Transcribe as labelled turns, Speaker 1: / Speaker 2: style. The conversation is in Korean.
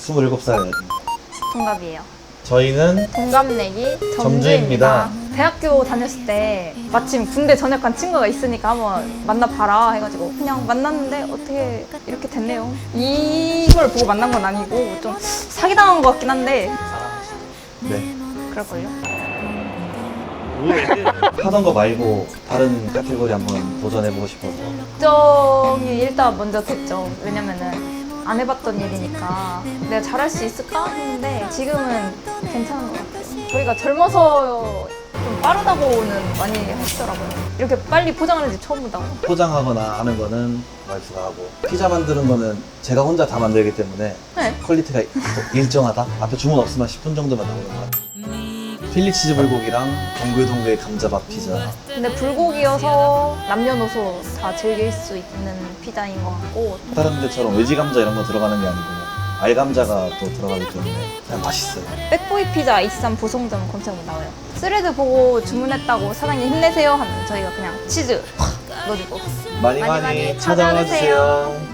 Speaker 1: 27살.
Speaker 2: 동갑이에요.
Speaker 1: 저희는
Speaker 2: 동갑내기
Speaker 1: 점주입니다.
Speaker 2: 점주입니다. 대학교 다녔을 때 마침 군대 전역한 친구가 있으니까 한번 만나봐라 해가지고 그냥 만났는데 어떻게 이렇게 됐네요. 이걸 보고 만난 건 아니고 좀 사기당한 것 같긴 한데
Speaker 1: 네.
Speaker 2: 그럴걸요?
Speaker 1: 하던 거 말고 다른 카테고리 한번 도전해보고 싶어서.
Speaker 2: 걱정이 일단 먼저 됐죠. 왜냐면은 안 해봤던 일이니까 내가 잘할 수 있을까 했는데 지금은 괜찮은 것 같아요. 저희가 젊어서 좀 빠르다고는 많이 하시더라고요. 이렇게 빨리 포장하는 집 처음 보다고.
Speaker 1: 포장하거나 하는 거는 와이프가 하고, 피자 만드는 거는 제가 혼자 다 만들기 때문에
Speaker 2: 네.
Speaker 1: 퀄리티가 일정하다? 앞에 주문 없으면 10분 정도만 나오는 것 같아요. 필리 치즈 불고기랑 동글동글 감자밥 피자.
Speaker 2: 근데 불고기여서 남녀노소 다 즐길 수 있는 피자인 것 같고
Speaker 1: 다른 데처럼 외지 감자 이런 거 들어가는 게 아니고 알감자가 또 들어가기 때문에 그냥 맛있어요.
Speaker 2: 백보이 피자 23 보성점 검색하면 나와요. 스레드 보고 주문했다고 사장님 힘내세요 하면 저희가 그냥 치즈 확 넣어주고
Speaker 1: 많이 찾아와 주세요.